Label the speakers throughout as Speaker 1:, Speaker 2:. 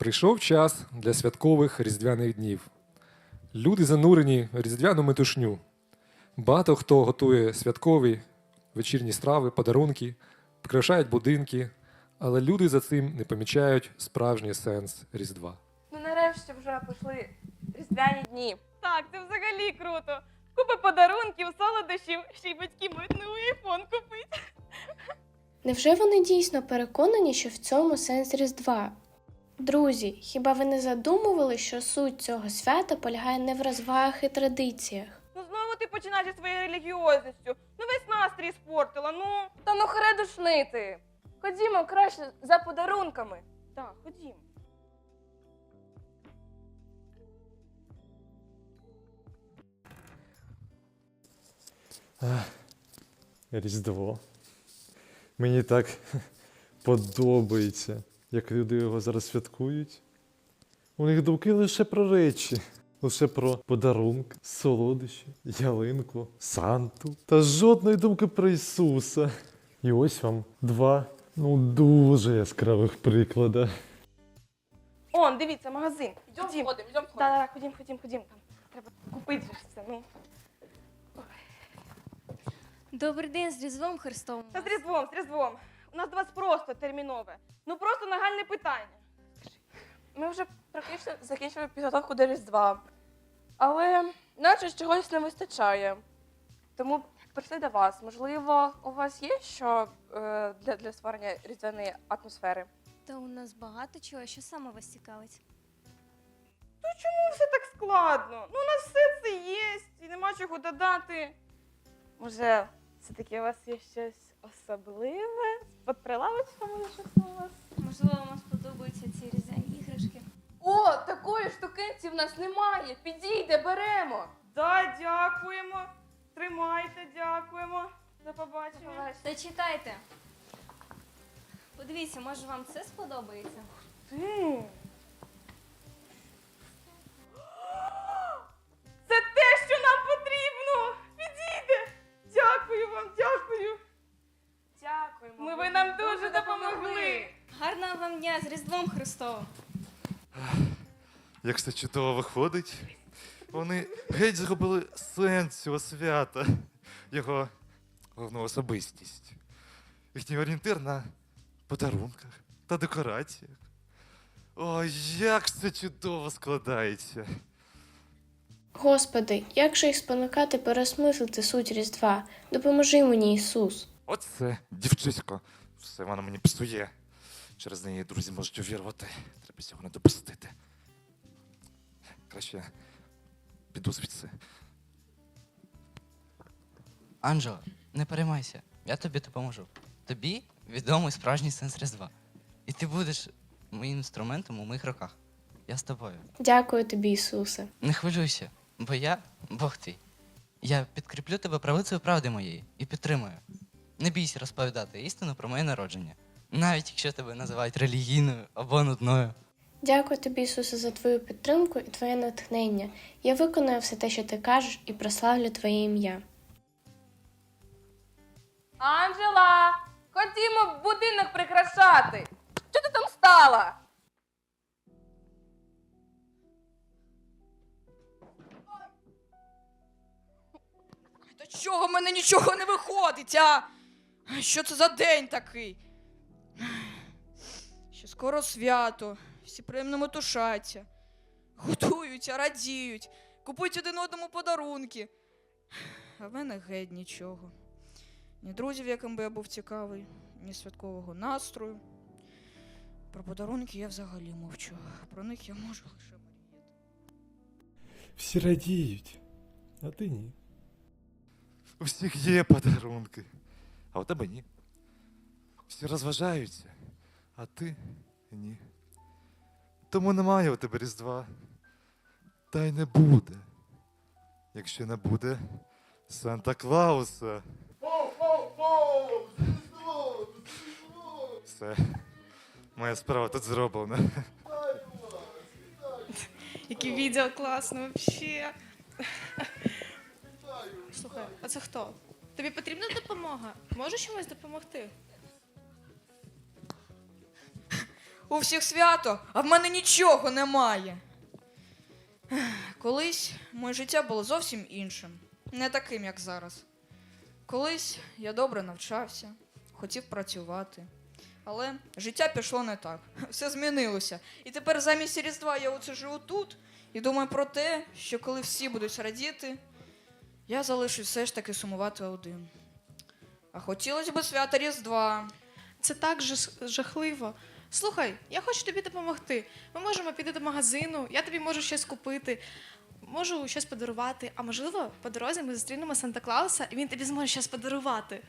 Speaker 1: Прийшов час для святкових різдвяних днів. Люди занурені в різдвяну метушню. Багато хто готує святкові вечірні страви, подарунки, прикрашають будинки, але люди за цим не помічають справжній сенс Різдва.
Speaker 2: Ну нарешті вже пішли різдвяні дні. Так, це взагалі круто. Купа подарунків, солодощів, ще й батьки мають новий айфон купити.
Speaker 3: Невже вони дійсно переконані, що в цьому сенс Різдва? Друзі, хіба ви не задумували, що суть цього свята полягає не в розвагах і традиціях?
Speaker 2: Ну знову ти починаєш зі своєю релігіозністю. Ну весь настрій спортила, ну. Та ну хре душнити. Ходімо краще за подарунками. Так, ходімо.
Speaker 4: Різдво. Мені так подобається, як люди його зараз святкують. У них думки лише про речі, лише про подарунки, солодощі, ялинку, Санту. Та жодної думки про Ісуса. І ось вам два, дуже яскравих приклади.
Speaker 2: Он, дивіться, магазин.
Speaker 5: Йдемо ходимо.
Speaker 2: Так, ходім. Там треба купити ж все, ну.
Speaker 5: Добрий день, з Різдвом Христовим.
Speaker 2: Та з Різдвом. У нас до вас просто термінове. Ну просто нагальне питання. Ми вже практично закінчили підготовку до Різдва. Але наче чогось не вистачає. Тому прийшли до вас. Можливо, у вас є що для створення різдвяної атмосфери?
Speaker 5: Та у нас багато чого, що саме вас цікавить.
Speaker 2: Ну чому все так складно? Ну у нас все це є, і нема чого додати. Може, все-таки у вас є щось особливе? Під прилавочком може щось у вас?
Speaker 5: Можливо, вам сподобаються ці різдвяні іграшки.
Speaker 2: О, такої штукенці в нас немає. Підійде, беремо. Да, дякуємо. Тримайте, дякуємо. До побачення.
Speaker 5: Та чекайте. Подивіться, може вам це сподобається?
Speaker 2: Це те, що нам потрібно. Підійде. Дякую вам, дякую. Дякуємо. Ви нам дуже допомогли.
Speaker 5: Гарного вам дня з Різдвом Христовим!
Speaker 6: Як все чудово виходить. Вони геть зробили сенс цього свята, його головну особистість. Їхній орієнтир на подарунках та декораціях. Ой, як це чудово складається.
Speaker 3: Господи, як же їх спонукати переосмислити суть Різдва? Допоможи мені, Ісус.
Speaker 6: Оце, дівчисько, все вона мені псує. Через неї друзі можуть увірвати. Треба цього не допустити. Краще піду звідси.
Speaker 7: Анджело, не переймайся, я тобі допоможу. Тобі відомий справжній сенс Різдва. І ти будеш моїм інструментом у моїх руках. Я з тобою.
Speaker 3: Дякую тобі, Ісусе.
Speaker 7: Не хвилюйся, бо я Бог твій. Я підкріплю тебе правицею правди моєї і підтримую. Не бійся розповідати істину про моє народження, навіть якщо тебе називають релігійною або нудною.
Speaker 3: Дякую тобі, Ісусе, за твою підтримку і твоє натхнення. Я виконую все те, що ти кажеш, і прославлю твоє ім'я.
Speaker 2: Анжела, ходімо будинок прикрашати. Що ти там стала?
Speaker 8: Та чого в мене нічого не виходить, а? Що це за день такий? Ще скоро свято, всі приємно метушаться, готуються, радіють, купують один одному подарунки. А в мене геть нічого. Ні друзів, яким би я був цікавий, ні святкового настрою. Про подарунки я взагалі мовчу. Про них я можу лише мріяти.
Speaker 4: Всі радіють, а ти ні.
Speaker 6: У всіх є подарунки, а у тебе ні. Всі розважаються, а ти ні. Тому немає у тебе Різдва. Та й не буде. Якщо не буде Санта-Клауса. Все. Моя справа тут зроблена.
Speaker 8: Яке відео класно, взагалі.
Speaker 9: Слухай, а це хто? Тобі потрібна допомога? Можеш чимось допомогти?
Speaker 8: У всіх свято, а в мене нічого немає. Колись моє життя було зовсім іншим, не таким, як зараз. Колись я добре навчався, хотів працювати. Але життя пішло не так. Все змінилося. І тепер замість Різдва я оце живу тут і думаю про те, що коли всі будуть радіти, я залишусь все ж таки сумувати один. А хотілося б свята Різдва.
Speaker 9: Це так жахливо. Слухай, я хочу тобі допомогти. Ми можемо піти до магазину, я тобі можу щось купити, можу щось подарувати, а можливо, по дорозі ми зустрінемо Санта-Клауса, і він тобі зможе щось подарувати.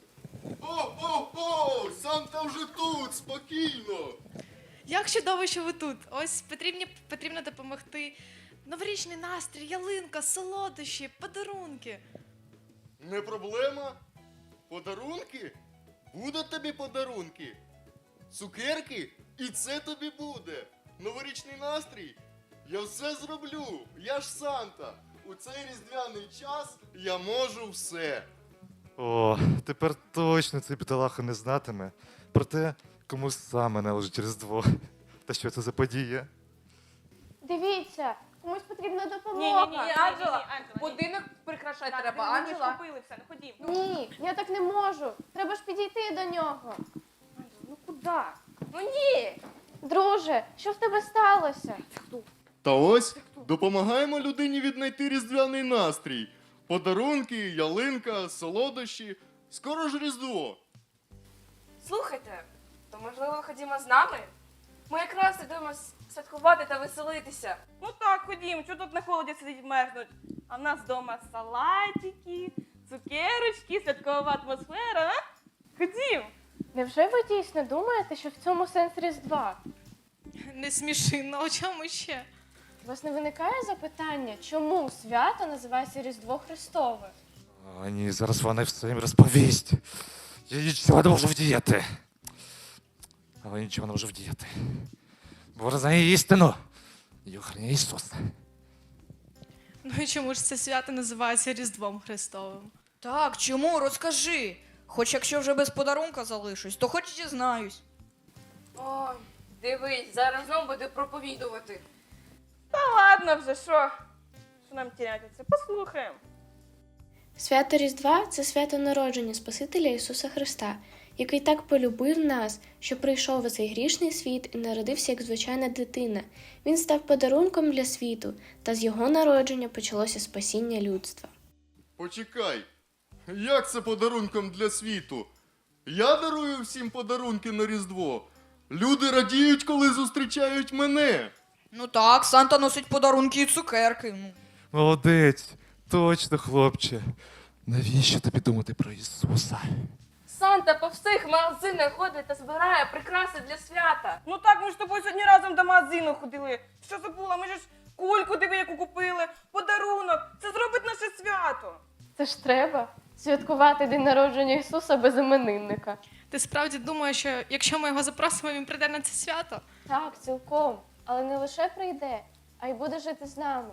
Speaker 10: О, Санта вже тут, спокійно.
Speaker 9: Як чудово, що ви тут. Ось потрібно допомогти. Новорічний настрій, ялинка, солодощі, подарунки.
Speaker 10: Не проблема. Подарунки? Будуть тобі подарунки. Цукерки? І це тобі буде. Новорічний настрій? Я все зроблю. Я ж Санта. У цей різдвяний час я можу все.
Speaker 6: О, тепер точно цей бідолаха не знатиме про те, кому саме належить Різдво. Та що це за подія?
Speaker 3: Дивіться, комусь потрібна
Speaker 2: Ні,
Speaker 3: допомога.
Speaker 2: Анджела,
Speaker 11: Будинок прикрашати
Speaker 2: Так,
Speaker 11: треба,
Speaker 2: ми ж
Speaker 11: Анджела.
Speaker 2: купили все, ну ходім.
Speaker 3: Ні, я так не можу. Треба ж підійти до нього.
Speaker 2: Ну куди?
Speaker 3: Ну ні. Друже, що в тебе сталося?
Speaker 10: Та ось допомагаємо людині віднайти різдвяний настрій. Подарунки, ялинка, солодощі. Скоро ж Різдво.
Speaker 2: Слухайте, то можливо ходімо з нами? Ми якраз ідемо святкувати та веселитися. Ну так, ходімо, що тут на холоді сидіть мерзнуть? А в нас вдома салатики, цукерочки, святкова атмосфера, а? Ходім!
Speaker 3: Невже ви дійсно думаєте, що в цьому сенс Різдва?
Speaker 9: Не сміши, ну а чому ще?
Speaker 3: У вас не виникає запитання, чому свято називається Різдво Христове?
Speaker 6: О, ні, зараз вона все їм розповість. Я нічого не можу вдіяти. Але нічого не можу вдіяти. Бо вона знає істину. І охороняє Ісус.
Speaker 9: Ну і чому ж це свято називається Різдвом Христовим?
Speaker 8: Так, чому? Розкажи. Хоч якщо вже без подарунка залишусь, то хоч дізнаюсь.
Speaker 11: Ой, дивись, зараз знову буде проповідувати.
Speaker 2: Та ладно вже, що? Що нам тіряти це? Послухаємо.
Speaker 3: Свято Різдва – це свято народження Спасителя Ісуса Христа, який так полюбив нас, що прийшов у цей грішний світ і народився як звичайна дитина. Він став подарунком для світу, та з його народження почалося спасіння людства.
Speaker 10: Почекай. Як це подарунком для світу? Я дарую всім подарунки на Різдво. Люди радіють, коли зустрічають мене.
Speaker 8: Ну так, Санта носить подарунки і цукерки. Ну.
Speaker 6: Молодець. Точно, хлопче. Навіщо тобі думати про Ісуса?
Speaker 2: Санта по всіх магазинах ходить та збирає прикраси для свята. Ну так, ми ж з тобою сьогодні разом до магазину ходили. Що забула? Ми ж кульку диви, яку купили, подарунок. Це зробить наше свято.
Speaker 3: Це ж треба святкувати день народження Ісуса без іменинника.
Speaker 9: Ти справді думаєш, що якщо ми його запросимо, він прийде на це свято?
Speaker 3: Так, цілком. Але не лише прийде, а й буде жити з нами.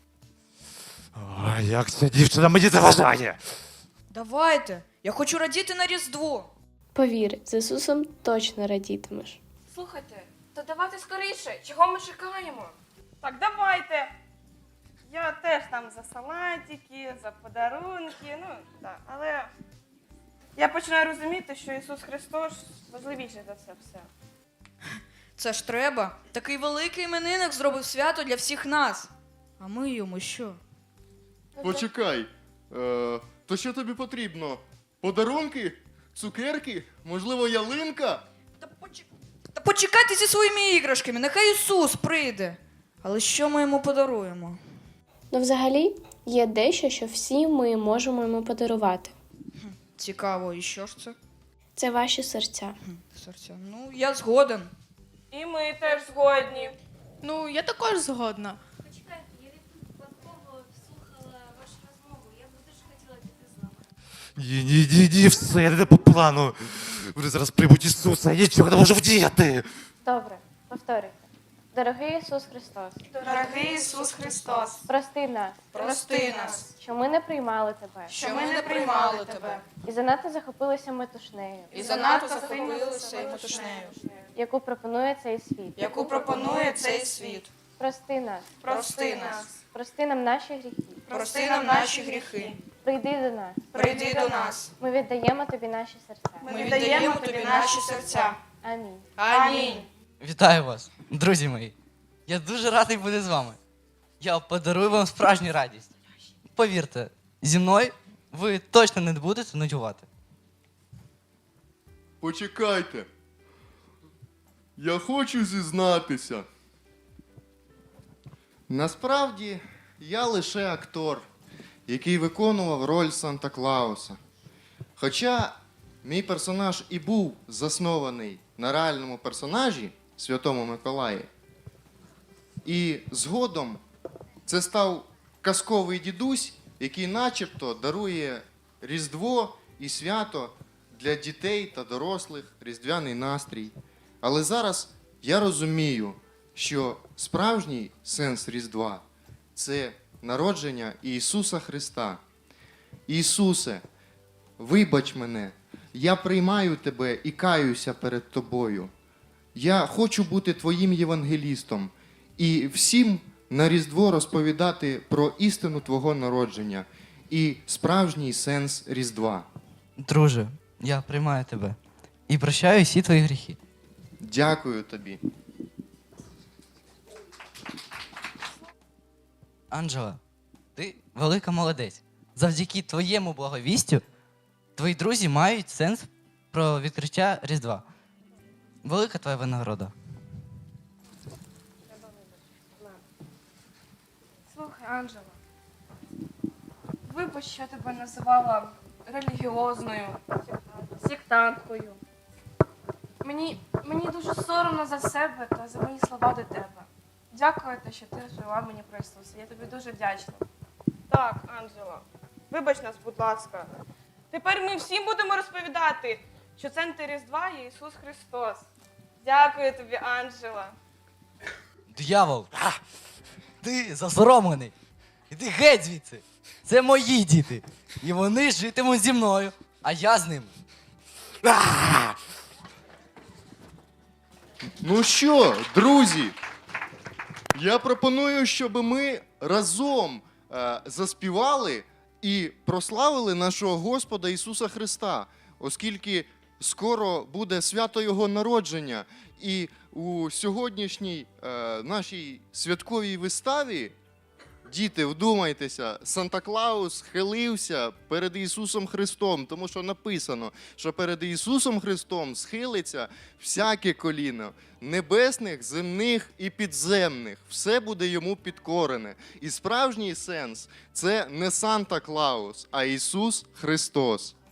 Speaker 6: О, як ця дівчина мені заважає!
Speaker 8: Давайте, я хочу радіти на Різдво.
Speaker 3: Повір, з Ісусом точно радітимеш.
Speaker 2: Слухайте, то давайте скоріше. Чого ми чекаємо? Так, давайте. Я теж там за салатики, за подарунки, ну так. Але я починаю розуміти, що Ісус Христос важливіший за це все.
Speaker 8: Це ж треба. Такий великий іменинник зробив свято для всіх нас. А ми йому що?
Speaker 10: Почекай. То що тобі потрібно? Подарунки? Цукерки? Можливо, ялинка?
Speaker 8: Та почекайте зі своїми іграшками, нехай Ісус прийде. Але що ми йому подаруємо?
Speaker 3: Ну, взагалі, є дещо, що всі ми можемо йому подарувати.
Speaker 8: Цікаво, і що ж це?
Speaker 3: Це ваші серця.
Speaker 8: Серця. Ну, я згоден.
Speaker 2: І ми теж згодні.
Speaker 9: Ну, я також згодна.
Speaker 5: Почекайте, я випадково слухала вашу розмову. Я б дуже хотіла піти з вами.
Speaker 6: Ні, все, не по плану. Вони зараз приймуть Ісуса, я нічого не можу вдіяти.
Speaker 3: Добре, повторюйте. Дорогий Ісус Христос,
Speaker 2: Дорогий Ісус Христос,
Speaker 3: прости нас,
Speaker 8: Прости нас,
Speaker 3: що ми не приймали тебе,
Speaker 8: що ми не приймали тебе.
Speaker 3: і занадто захопилися метушнею.
Speaker 8: І занадто захопилися і метушнею.
Speaker 3: яку пропонує цей світ.
Speaker 8: яку пропонує цей світ.
Speaker 3: Прости нас.
Speaker 8: Прости нас,
Speaker 3: Прости нам наші гріхи.
Speaker 8: прости нам наші гріхи,
Speaker 3: Прийди до нас.
Speaker 8: прийди до нас.
Speaker 3: Ми віддаємо тобі наші серця.
Speaker 8: Ми віддаємо тобі наші серця.
Speaker 3: Амінь.
Speaker 8: Амінь.
Speaker 7: Вітаю вас, друзі мої. Я дуже радий бути з вами. Я подарую вам справжню радість. Повірте, зі мною ви точно не будете нудьгувати.
Speaker 10: Почекайте. Я хочу зізнатися. Насправді, я лише актор, який виконував роль Санта-Клауса. Хоча мій персонаж і був заснований на реальному персонажі Святому Миколаї. І згодом це став казковий дідусь, який начебто дарує Різдво і свято для дітей та дорослих, різдвяний настрій. Але зараз я розумію, що справжній сенс Різдва – це народження Ісуса Христа. Ісусе, вибач мене, я приймаю Тебе і каюся перед Тобою. Я хочу бути Твоїм євангелістом і всім на Різдво розповідати про істину Твого народження і справжній сенс Різдва.
Speaker 7: Друже, я приймаю тебе і прощаю всі твої гріхи.
Speaker 10: Дякую тобі.
Speaker 7: Анджела, ти велика молодець. Завдяки твоєму благовістю твої друзі мають сенс про відкриття Різдва. Велика твоя винагорода.
Speaker 2: Слухай, Анджела, вибач, що я тебе називала релігіозною, сектанткою. Мені дуже соромно за себе та за мої слова до тебе. Дякую, що ти розповіла мені про Ісуса. Я тобі дуже вдячна. Так, Анджела, вибач нас, будь ласка. Тепер ми всім будемо розповідати, що центр Різдва є Ісус Христос. Дякую тобі, Анджела.
Speaker 7: Диявол! Ти засоромлений. Іди геть звідси. Це мої діти. І вони житимуть зі мною, а я з ними.
Speaker 10: Ну що, друзі, я пропоную, щоб ми разом заспівали і прославили нашого Господа Ісуса Христа, оскільки скоро буде свято Його народження. І у сьогоднішній нашій святковій виставі, діти, вдумайтеся, Санта-Клаус схилився перед Ісусом Христом, тому що написано, що перед Ісусом Христом схилиться всяке коліно, небесних, земних і підземних. Все буде йому підкорене. І справжній сенс – це не Санта-Клаус, а Ісус Христос.